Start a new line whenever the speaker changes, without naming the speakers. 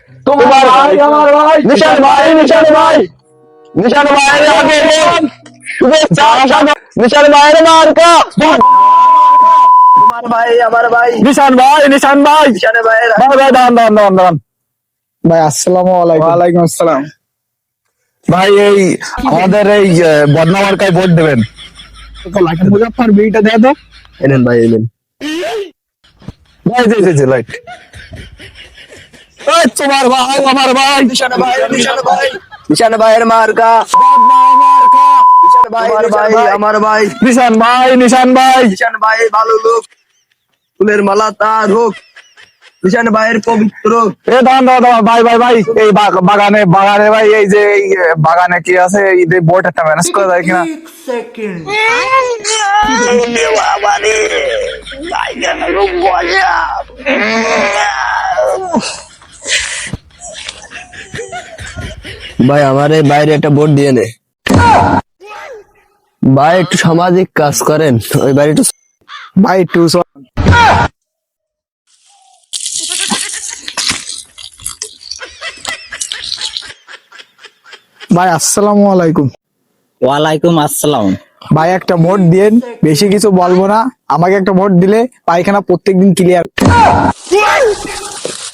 তোমার ভাই আমার ভাই
নিশান ভাই, নিশান ভাই, নিশান ভাইয়ের আগে শুভেচ্ছা নিশান ভাইয়ের মার্কা।
তোমার ভাই আমার ভাই
নিশান ভাই, নিশান ভাই,
নিশানে ভাইয়ের
ভাই ভাই দাঁড়ান দাঁড়ান দাঁড়ান দাঁড়ান।
ভাই আসসালামু আলাইকুম।
ওয়ালাইকুম আসসালাম। ভাই এই আমাদের এই বদনা মার্কায় ভোট দেবেন।
মুজাফফর বিটা দে তো।
এনেন ভাই এনেন
ভাই জি লাইট। তোমার ভাই আমার ভাই
নিশানে ভাই নিশানে ভাইয়ের মার্কা
বদনা মার্কা।
নিশানে ভাই আমার ভাই
নিশান ভাই, নিশান ভাই,
নিশান ভাই ভালো লোক ফুলের মালা তার হোক নিশান ভাইয়ের পবিত্র
এ দাঁড়ান দাঁড়ান দাঁড়ান, ভাই ভাই ভাই এই বাগানে বাগানে ভাই এই যে এই বাগানে কি আছে এই যে বোট একটা ম্যানেজ করা যায় কিনা?
ভাই আমার এই বাইরে একটা ভোট দিয়ে নে ভাই একটু সামাজিক কাজ করেন ওই বাড়ি একটু
ভাই টু ভাই আসসালামু আলাইকুম।
ওয়ালাইকুম আসসালাম।
ভাই একটা ভোট দিয়েন, বেশি কিছু বলবো না, আমাকে একটা ভোট দিলে পায়খানা প্রত্যেকদিন ক্লিয়ার।